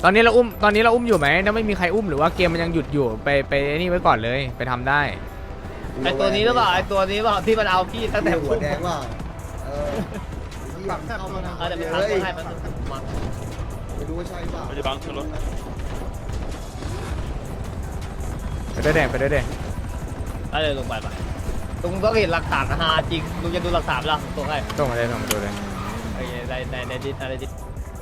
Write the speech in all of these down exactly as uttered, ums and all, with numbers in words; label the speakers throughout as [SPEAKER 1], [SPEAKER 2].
[SPEAKER 1] ตอนนี้เราอุ้มตอนนี้เราอุ้มอยู่ไหมถ้าไม่มีใครอุ้มหรือว่าเกมมันยังหยุดอยู่ไปไปนี่ไว้ก่อนเลยไปทำได้
[SPEAKER 2] ไอตัวนี้หรือเปล่าไอตัวนี้เปล่าที่มันเอาพี่ตั้งแต่
[SPEAKER 3] หัวแดงว่าเออปักแทบเข้ามานะ
[SPEAKER 2] เออเดี๋ยวไปทำตัวให้มันมา
[SPEAKER 3] ไม่รู้ว่าใช่เปล่า
[SPEAKER 4] ไม่ได้บังขึ้นรถ
[SPEAKER 1] ไปด้วยเด็ไปด้วยเด็
[SPEAKER 2] ได้เลยลงไปไปลุงต้องเห็นหลักฐานฮาจริงลุงจะดูหลักฐานแล้วตัวให้
[SPEAKER 1] ส่งมาเลยส่งมาดูเลย
[SPEAKER 2] ไอ้ในในในดิสอะไรดิส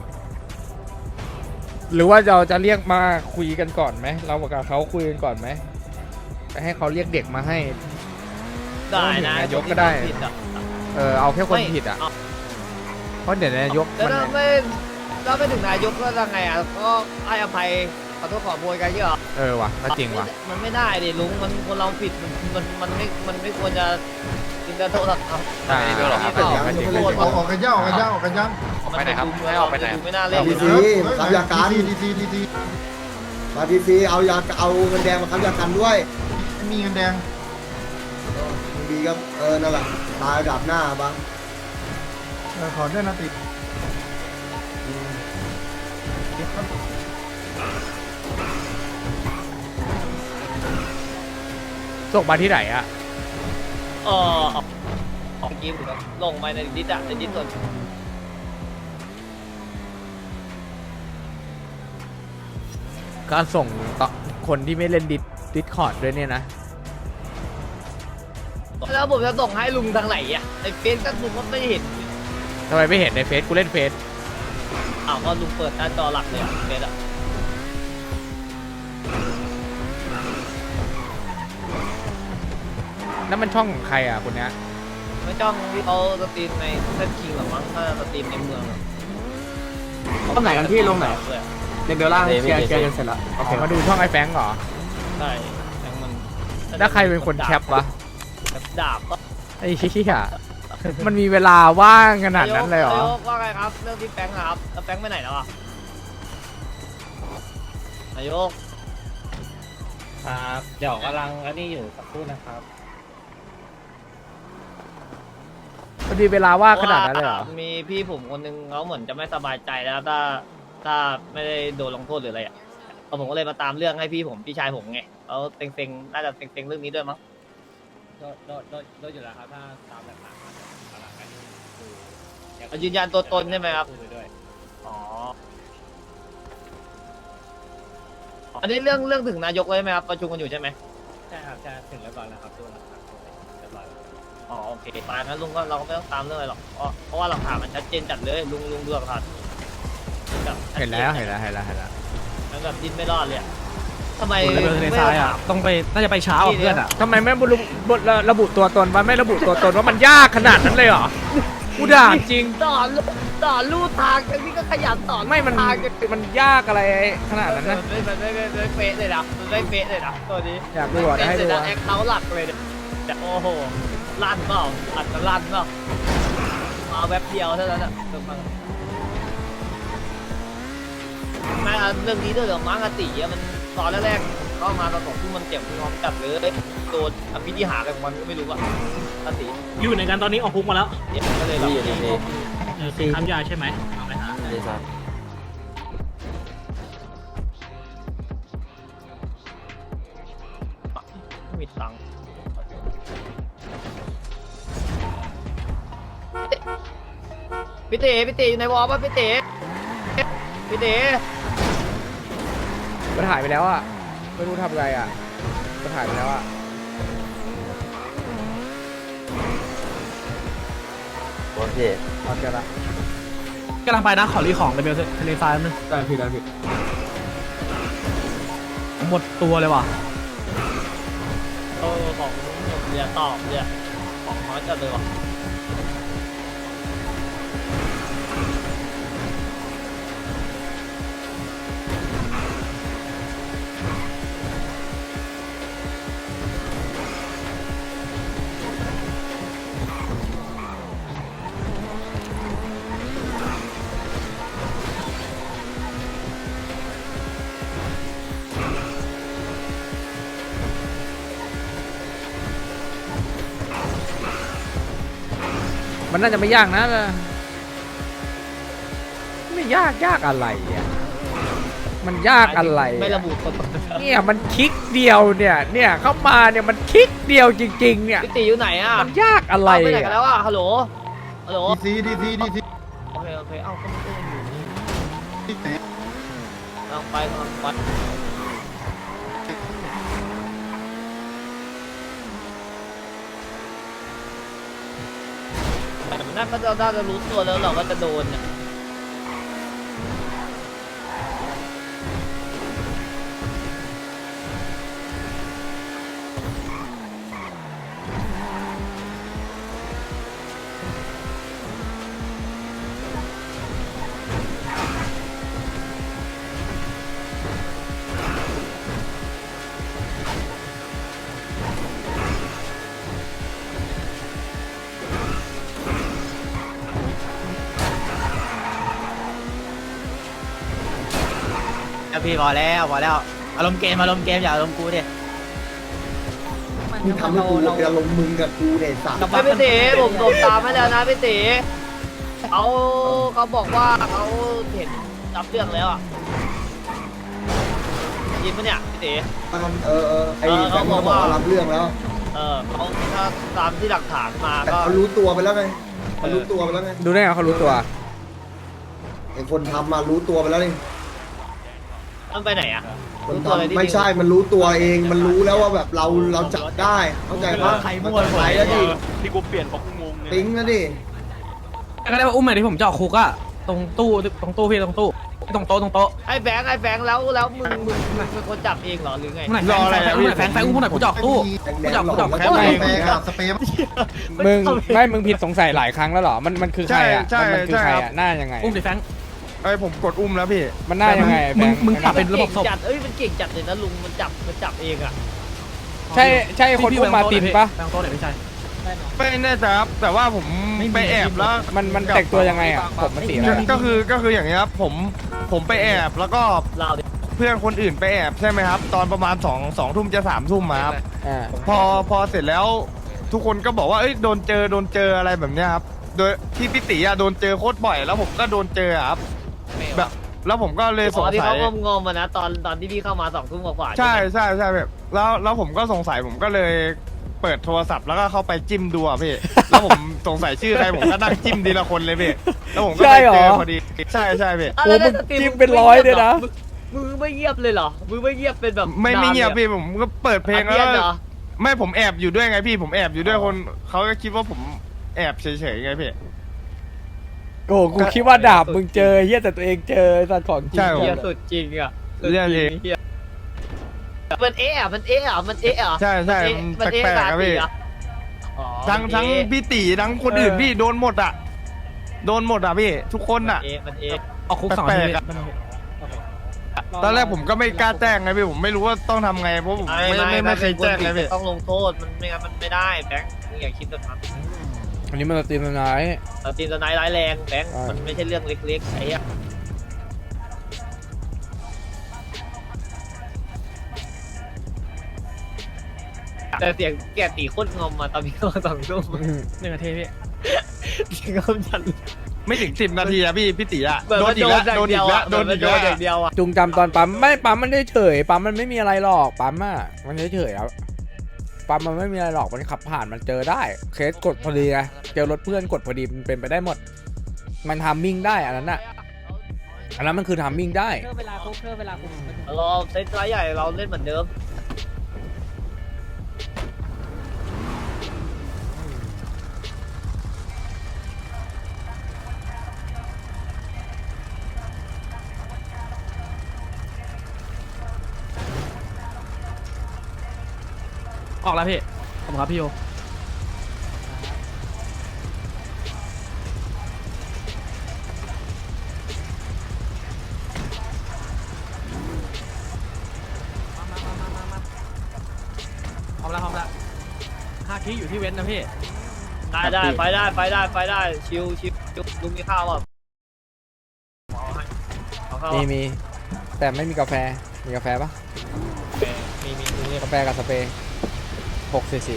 [SPEAKER 1] หรือว่าเราจะเรียกมาคุยกันก่อนไหมเรากับเขาคุยกันก่อนไหมไปให้เขาเรียกเด็กมาให้
[SPEAKER 2] ได้นะ
[SPEAKER 1] นายกก็ได้
[SPEAKER 2] ผิดอ่ะ
[SPEAKER 1] เออเอาแค่คน
[SPEAKER 2] ไม่
[SPEAKER 1] ผิดอ่ะ
[SPEAKER 2] เอา
[SPEAKER 1] เพราะเดี๋ยวนายก
[SPEAKER 2] แล้ว
[SPEAKER 1] มัน
[SPEAKER 2] ถ้าไม่ถ้าไม่ถึงนายกก็ยังไงอ่ะก็ให้อภัยขอโทษขอโพยกันเยอะ
[SPEAKER 1] เออว่ะก็จริงว่ะ
[SPEAKER 2] มันไม่ได้ดิลุงมันคนเราผิดมันมันมันไม่มันไม่ควรจะกินกระโทษครับ
[SPEAKER 1] อ่า
[SPEAKER 2] ไม่ได้ด้วยหรอกครับ
[SPEAKER 1] ก็จริงก็จริง
[SPEAKER 3] ออกออกกันย่าออกกันย่าออกกันย่า
[SPEAKER 2] ไปไหนครับให้ออกไปไหนไม่น่าเล่น
[SPEAKER 3] ดีซีค้ำยากัน
[SPEAKER 5] ดีซีดีซี
[SPEAKER 3] มาดีซีเอายาเอาเงินแดงมาค้ำยากันด้วย
[SPEAKER 5] มีเงินแดง
[SPEAKER 3] ดีก็เออนั่นแหละตายดับหน้าบ้าง
[SPEAKER 5] เออขอด้วยนะติด
[SPEAKER 1] ส่งมาที่ไหนอ่ะ
[SPEAKER 2] เออออกเกมลงไปในดิสอะในดิสส่วน
[SPEAKER 1] ก็ส่งต่อคนที่ไม่เล่นดิสดิสคอร์ดด้วยเนี่ยนะ
[SPEAKER 2] แล้วผมจะส่งให้ลุงทางไหนอ่ะในเฟซก็ลุงก็ไม่เห็น
[SPEAKER 1] ทำไมไม่เห็นในเฟซกูเล่นเฟซ
[SPEAKER 2] อ้าวก็ลุงเปิดหน้าจอหลักเลยอ่ะเฟซอ่ะ
[SPEAKER 1] นั่นมันช่องของใครอ่ะคนเนี้ย
[SPEAKER 2] ไม่จ้องที่เขาสตรีมในเส้นคิงหรอมั้งถ้าสตรีมในเมือง
[SPEAKER 6] ลงไหนกันพี่ลงไหน
[SPEAKER 2] เลย
[SPEAKER 6] เดี๋ยวเบลล่างเคลียร์เคลียร์กันเสร็จแล้ว
[SPEAKER 1] โอเคมาดูช่องไอ้แฟงเหรอ
[SPEAKER 2] ใช่ยังมัน
[SPEAKER 1] แล้วใครเป็นคนแคปวะ
[SPEAKER 2] แบบดาบก็
[SPEAKER 1] ไอ้เหี้ยมันมีเวลาว่างขนาดนั้นเลยเหรอ
[SPEAKER 2] นายกว่าไงครับเรื่องที่แฟงครับแล้วแฟงไปไหนแล้วอ่ะนายก
[SPEAKER 6] ครับเดี๋ยวกำลังอันนี้อยู่สักครู่นะครับ
[SPEAKER 1] มันมีเวลาว่างขนาดนั้นเลยเหรอ
[SPEAKER 2] มีพี่ผมคนนึงเขาเหมือนจะไม่สบายใจแล้วถ้าถ้าไม่ได้โดนลงโทษหรืออะไรอ่ะเอาผมก็เลยมาตามเรื่องให้พี่ผมพี่ชายผมไงเขาเต็งๆน่าจะเต็งๆเรื่องนี้ด้วยมั้ง
[SPEAKER 6] โดนโดนโดนโดนอยู่แล้วครับถ้าตามหลักฐานมาเอาหลักฐานคือ
[SPEAKER 2] เอายืนยันตัวตนใช่ไหมครับ
[SPEAKER 6] พูดไปด้วย
[SPEAKER 2] อ๋ออันนี้เรื่องเรื่องถึงนายกเลยไหมครับประชุมกันอยู่ใช่ไหม
[SPEAKER 6] ใช่ครับจะถึงแล้วก่อนนะครับตัวหลักฐานเรียบร้อยแล้ว
[SPEAKER 2] อ๋อโอเคมางั้นลุงก็เราก็ไม่ต้องตามเรื่องอะไรหรอกเพราะเพราะว่าหลักฐานมันชัดเจนจัดเลยลุงลุงดูหลักฐานแบบชัดจ
[SPEAKER 1] เห็นแล้วเห็นแล้วเห็นแล้วเห็นแล้ว
[SPEAKER 2] มันแบบดิ้นไม่รอดเลยอะทำไม
[SPEAKER 6] คุณระเบิดทะเลทรายอ่ะต้องไปน่าจะไปเช้าอ่ะเพื่อนอ่ะ
[SPEAKER 1] ทำไมไม่ระบุระบุตัวตนวะไม่ระบุตัวตนว่ามันยากขนาดนั้นเลยเหรอกูด่าจริง
[SPEAKER 2] ต่อลูต่อลู่ทางกันนี่ก็ขยันต่อ
[SPEAKER 1] ไม่มัน
[SPEAKER 2] ทางกัน
[SPEAKER 1] มันยากอะไรขนาดนั้นนะ
[SPEAKER 2] ไม่ไม่ไม่ไม่ไม่เป๊ะเลยนะมันไม่เป๊ะเลยนะตัวนี้
[SPEAKER 1] อยากดูอ่ะได้ให้ดู
[SPEAKER 2] เป๊ะเลย
[SPEAKER 1] อ่ะ
[SPEAKER 2] นะแอคเคาท์หลักเลยเนี่ยแต่โอ้โหลั่นเปล่าอัดจะลั่นเปล่ามาแวบเดียวเท่านั้นอะเติมมาแม่เรื่องนี้ด้วยเหรอมั้งอติอะมันตอนแรกๆเข้ามาตอนสองทุ่มมันเจ็บพร้อมจับเลยโดนอภิธิหารอะไรของมันก็ไม่รู้อะอติ
[SPEAKER 6] อยู่ในกันตอนนี้ออกคุกมาแล้ว
[SPEAKER 2] เนี่ยก็เลยแบบ
[SPEAKER 6] คือค้ำยาใช่ไหมเอาไปหา
[SPEAKER 2] ไม่มีตังค์พี่เต๋พี่เต๋อยู่ในวอลป่ะพี่เต๋พี่เต๋
[SPEAKER 1] มันหายไปแล้วอ่ะไม่รู้ทำไงอ่ะมันหายไปแล้วอ่ะ
[SPEAKER 7] โอเค
[SPEAKER 1] เอาเจอละ
[SPEAKER 6] กำลังไปนะขอรีของเดบิวทะเลทรายนึง
[SPEAKER 1] ได้พี่ได้พี่
[SPEAKER 6] หมดตัวเลยว่ะ
[SPEAKER 2] เออของเรือตอบเนี่ยของน้อยจัดเลยว่ะ
[SPEAKER 1] มันน่าจะไม่ยากนะไม่ยากยากอะไรอ่ะมันยากอะไร
[SPEAKER 2] ไม่
[SPEAKER 1] อะ
[SPEAKER 2] ระบุตัวตน
[SPEAKER 1] เนี่ยมันคลิกเดียวเนี่ยเนี่ยเข้ามาเนี่ยมันคลิกเดียวจริงๆเนี่ย
[SPEAKER 2] พี่ตีอยู่ไหนอ่ะ
[SPEAKER 1] มันยากอะไร
[SPEAKER 2] เอาไปไหนกัน
[SPEAKER 1] อะ
[SPEAKER 2] แล้วอ่ะฮัลโหลฮัลโหล
[SPEAKER 5] ดีซีดีซีดีซี
[SPEAKER 2] โอเคโอเคเอ้าก็มันก็ยังอยู่นี่
[SPEAKER 5] ที่ไหน
[SPEAKER 2] ลองไปลองไปแต่มันน่าก็จะน่าจะรู้ตัวแล้วเราก็จะโดนเนี่ย
[SPEAKER 4] พี่พอแล้วพอแล้วอารมณ์เกมอารมณ์เกมอย่าอารมณ์กูดิ
[SPEAKER 3] มึงทำให้กูเดี๋ยวลงมึงกับกูเนี่ยสัตว์
[SPEAKER 2] ไม่พี่ตีผมผมตามให้แล้วนะพี่ตีเขาเขาบอกว่าเขาเห็นรับเรื่องแล้วอ่ะยินปะเนี่ยพี่ตี
[SPEAKER 3] มันเออเออไอ้
[SPEAKER 2] เออ
[SPEAKER 3] แฟ
[SPEAKER 2] เขา
[SPEAKER 3] น
[SPEAKER 2] บ
[SPEAKER 3] มั
[SPEAKER 2] อน ก
[SPEAKER 3] บอก
[SPEAKER 2] ว่า
[SPEAKER 3] ว่ารับเรื่องแล้ว
[SPEAKER 2] เออเขาถ้าตามที่หลักฐานมา
[SPEAKER 3] แต่
[SPEAKER 2] ก็
[SPEAKER 3] เขารู้ตัวไปแล้วไงมันรู้ตัวไปแล้วไง
[SPEAKER 1] ดูได้ไงเขารู้ตัว
[SPEAKER 3] ไอ้คนทำมารู้ตัวไปแล้วนี่
[SPEAKER 2] มันไปไหนอ่ะ
[SPEAKER 3] คน
[SPEAKER 2] รู้ตัวเลย
[SPEAKER 3] ทำ
[SPEAKER 2] ที่
[SPEAKER 3] ไม่ใช่มันรู้ตัวเองมันรู้แล้วว่าแบบเราเราจับได้เข้าใจปะ
[SPEAKER 4] ใครมั่ว
[SPEAKER 3] มันไหลแล้วดิ
[SPEAKER 7] ที่กูเปลี่ยนเพราะกูงงเนี่ย
[SPEAKER 3] ปิ๊งแล้วดิ
[SPEAKER 4] ก็ได้ว่าอุ้มหน่อยที่ผมจะออกคุกอะตรงตู้ตรงตู้พี่ตรงตู้ตรงโต๊ะตรงโต๊ะ
[SPEAKER 2] ไอ้แบงค์ไอ้แบงค์แล้วแล้วมึงมึงมึงเป็นคนจับเองเหรอหรือไง
[SPEAKER 4] มึงไหนแฟนแฟนอุ้มหน่อยแฟนแฟนอุ้มหน่อยกูจะออกตู้
[SPEAKER 3] แดงๆหลอก
[SPEAKER 4] กู
[SPEAKER 3] แล้ว
[SPEAKER 4] จับ
[SPEAKER 3] ก็
[SPEAKER 4] กูจับ
[SPEAKER 3] แปลง
[SPEAKER 5] กับสเปรย์
[SPEAKER 1] มึงไม่มึงผิดสงสัยหลายครั้งแล้วเหรอมันมันคือใครอ่ะ
[SPEAKER 7] ใช่
[SPEAKER 1] มันมันคือ
[SPEAKER 7] ใช่
[SPEAKER 1] ใคร
[SPEAKER 7] ครับ
[SPEAKER 1] อ่ะหน้ายังไง
[SPEAKER 4] อุ้มดิแฟน
[SPEAKER 7] ไอ้ยผมกดอุ้มแล้วพี่
[SPEAKER 1] มันหน้ายังไงแบ
[SPEAKER 4] มึง
[SPEAKER 1] งค์
[SPEAKER 4] มึงปรับเป็นระบบศพ
[SPEAKER 2] จัดเอ้ยมันเก่งจัดเลยนะลุงมันจับมันจับเองอ่ะ
[SPEAKER 1] ใช่ใช่คนอุ้มมาตินปะ
[SPEAKER 4] แฟนโต๊ะไหนไม่ใช่
[SPEAKER 7] ไม่แน่ใจครับแต่ว่าผม
[SPEAKER 4] ไม่มี
[SPEAKER 7] ไปแอบแล้ว
[SPEAKER 1] มันมันแต่งตัวยังไงอ่ะผมมันสีอะไร
[SPEAKER 7] ก็
[SPEAKER 1] อะ
[SPEAKER 7] ก็คือก็คืออย่างเงี้ยครับผมผมไปแอบแล้วก็
[SPEAKER 2] เราดิ
[SPEAKER 7] เพื่อนคนอื่นไปแอบใช่ไหมครับ ตอนประมาณสองสองทุ่มจะสามทุ่มมาครับ
[SPEAKER 1] อ่า
[SPEAKER 7] พอพอเสร็จแล้วทุกคนก็บอกว่าเอ้ยโดนเจอโดนเจออะไรแบบเนี้ยครับโดยที่พี่ติอะโดนเจอโคตรบ่อยแล้วผมก็โดนเจออะครับแบบแล้วผมก็เลยส
[SPEAKER 2] ต
[SPEAKER 7] ง
[SPEAKER 2] อนที่
[SPEAKER 7] สั
[SPEAKER 2] เขา
[SPEAKER 7] ย
[SPEAKER 2] งงงๆมานะตอนตอนที่พี่เข้ามาสองทุ่มกว่าๆ
[SPEAKER 7] ใช่
[SPEAKER 2] ไหม
[SPEAKER 7] ใช่ใช่แบบแล้วแล้วผมก็สงสัยผมก็เลยเปิดโทรศัพท์แล้วก็เข้าไปจิ้มดูอ่ะพี่ แล้วผมสงสัยชื่อใครผมก็นั่งจิ้มทีละคนเลยพี่แล้วผมก็ไปเจอพอดีใช่ใช่พี่
[SPEAKER 2] อ่ะ
[SPEAKER 1] โอ้
[SPEAKER 2] แล้ว
[SPEAKER 1] มึง
[SPEAKER 2] สตรี
[SPEAKER 1] จิ้มเป็นร้อยเลยนะ
[SPEAKER 2] มึงมึงไม่เงียบเลยเหรอมึงไม่เงียบเป็นแบบ
[SPEAKER 7] ไม่ไม่เงียบ
[SPEAKER 2] นานล
[SPEAKER 7] พี่ผมก็เปิดเพลง
[SPEAKER 2] อ่ะ
[SPEAKER 7] แล้ว
[SPEAKER 2] เงียบเหรอ
[SPEAKER 7] ไม่ผมแอบอยู่ด้วยไงพี่ผมแอบอยู่ด้วยคนเขาก็คิดว่าผมแอบเฉยๆไงพี่
[SPEAKER 1] โอ้กูคิดว่าดาบมึงเจอเฮียแต่ตัวเองเจอสัตว์ของจริง
[SPEAKER 7] ใช่
[SPEAKER 2] เฮียสุดจริงอ่ะสุด
[SPEAKER 7] เรื่อง
[SPEAKER 2] จ
[SPEAKER 7] เอ
[SPEAKER 2] ริ
[SPEAKER 7] ง
[SPEAKER 2] งเฮียมันเอ๊ะอ่ะมันเอ๊ะอ่ะมันเอ๊ะอ่ะ
[SPEAKER 7] ใช่ใช่
[SPEAKER 2] มันเอ๊ะ
[SPEAKER 7] มันแปลกๆ
[SPEAKER 2] ตา
[SPEAKER 7] ครับพี่
[SPEAKER 2] ตีอ่ะอ๋อ
[SPEAKER 7] ทั้ง
[SPEAKER 2] มัน
[SPEAKER 7] ทั้ง
[SPEAKER 2] เอ๊ะ
[SPEAKER 7] พี่ตีทั้งคนอื่นพี่โดนหมดอ่ะโดนหมดอ่ะพี่ทุกคนอ่ะ
[SPEAKER 2] มันเอ๊ะมันเอ๊ะ
[SPEAKER 4] ออกคุกสอง
[SPEAKER 7] แป
[SPEAKER 4] อา
[SPEAKER 7] ล
[SPEAKER 4] ทิต
[SPEAKER 7] ก
[SPEAKER 4] ย์
[SPEAKER 7] ๆอะตอนแรกผมก็ไม่กล้าแจ้งไงพี่ผมไม่รู้ว่าต้องทำไงเพราะผมไม่ไม่ไม่เคยแจ้งไงพี่
[SPEAKER 2] ต้องลงโทษมันไม่งั้นมันไม่ได้แบงค์มึงอย่าคิดแบบนั้น
[SPEAKER 1] อันนี้มันสตรีมนาย
[SPEAKER 2] เราตีนสไนด์ร้ายแรงแบงค์
[SPEAKER 1] ใช่
[SPEAKER 2] มันไม่ใช่เรื่องเล็กๆไอ้เหี้ยแต่เสียงแกตีโคตรงอมมาตอนนี้ก็สองทุ่ม
[SPEAKER 4] หนึ่งนาทีพี่
[SPEAKER 2] เสียงงอมจัด
[SPEAKER 7] ไม่ถึงสิบนาทีอะพี่พี่ตีอะ
[SPEAKER 2] เหมือน
[SPEAKER 7] โดน
[SPEAKER 2] มัน
[SPEAKER 7] อีก
[SPEAKER 2] โด
[SPEAKER 7] แล้
[SPEAKER 2] น
[SPEAKER 7] ว
[SPEAKER 2] อย่าง
[SPEAKER 7] โดน
[SPEAKER 2] เดี
[SPEAKER 7] อี
[SPEAKER 2] ยว
[SPEAKER 7] กแล้
[SPEAKER 2] อ่ะ
[SPEAKER 7] วโดน
[SPEAKER 2] มั
[SPEAKER 7] อี
[SPEAKER 2] น
[SPEAKER 7] ก
[SPEAKER 2] โด
[SPEAKER 7] แล้
[SPEAKER 2] น
[SPEAKER 7] ว
[SPEAKER 2] อย่างเดียวอ่ะ
[SPEAKER 1] จุงจำตอนปั๊มไม่ปั๊มมันได้เฉยปั๊มมันไม่มีอะไรหรอกปั๊มอ่ะมันเฉยๆครับปั๊มมันไม่มีอะไรหรอกมันขับผ่านมันเจอได้ เคสกดพอดีไงเจอรถเพื่อนกดพอดีมันเป็นไปได้หมด มันทามมิ่งได้อันนั้นอ่ะอันนั้นมันคือทามมิ่งได้
[SPEAKER 6] เวลาคุกเวลาคุก
[SPEAKER 2] เราเซตไลท์ใหญ่เราเล่นเหมือนเดิม
[SPEAKER 4] ออกแล้วพี่ขอบคุณครับพี่โยพร้อมแล้วพร้อมแล้วห้าคีอยู่ที่เว้นนะพี่
[SPEAKER 2] ได้ได้ไปได้ไปได้ไปได้ชิวชิวลุงมีข้าวป่ะเอาให้เอาข้าว
[SPEAKER 1] มีมีแต่ไม่มีกาแฟมีกาแฟปะ
[SPEAKER 2] มีมีลุงมี
[SPEAKER 1] กาแฟกับสเปรย์หกสี่สี่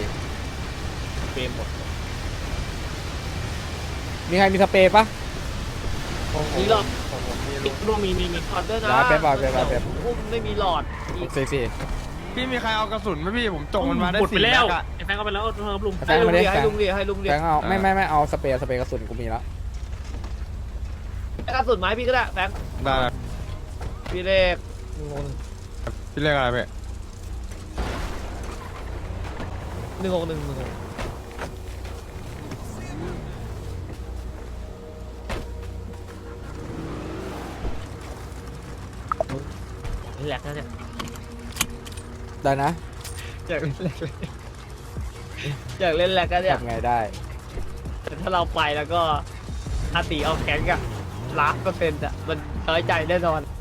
[SPEAKER 2] เฟรมหมด
[SPEAKER 1] มีใครมีสเปรย์ปะ
[SPEAKER 2] มีหลอด
[SPEAKER 7] ผมผมมีลุง
[SPEAKER 6] ร่วมมีมีมี
[SPEAKER 2] หลอดด้วยนะ
[SPEAKER 1] ได้เป๊ปเอาเป๊ปเอาเป๊ป
[SPEAKER 2] อุ้มไม่มีหลอดอีก
[SPEAKER 1] สี่สี่
[SPEAKER 7] พี่มีใครเอากระสุนไหมพี่ผมจงมันมาได้
[SPEAKER 6] หมดไป
[SPEAKER 7] สี่
[SPEAKER 6] แล้
[SPEAKER 7] นั
[SPEAKER 6] ว
[SPEAKER 7] ดอะ
[SPEAKER 6] ไอ้แฟนก็ไปแล้วครับลุง
[SPEAKER 1] แฟ
[SPEAKER 2] ให้
[SPEAKER 1] ง
[SPEAKER 2] ลุ
[SPEAKER 1] มาง ดิ
[SPEAKER 2] ดิ
[SPEAKER 1] แฟ
[SPEAKER 2] ให้
[SPEAKER 1] ง
[SPEAKER 2] ลุงดิให้ลุงดิ
[SPEAKER 1] แฟงเอาไม่ไม่ไม่เอาสเปรย์สเปรย์กระสุนกูมีแล้ว
[SPEAKER 2] กระสุนไม้พี่ก็ได้แบงค์
[SPEAKER 7] ได้
[SPEAKER 2] พี่เลขงง
[SPEAKER 7] พี่เรียกอะไรพี่
[SPEAKER 2] หนึ่งหกหนึ่งหนึ่งหกแหลกนะเนี่ย
[SPEAKER 1] ได้นะ
[SPEAKER 2] อยากเล่นแหลกเลยอยากเล่นแหลกกันเนี่ย
[SPEAKER 1] ทำไงได้
[SPEAKER 2] แต่ถ้าเราไปแล้วก็อาตีเอาแขนกับล้านเปอร์เซ็นต์อะมันน้อยใจแน่นอน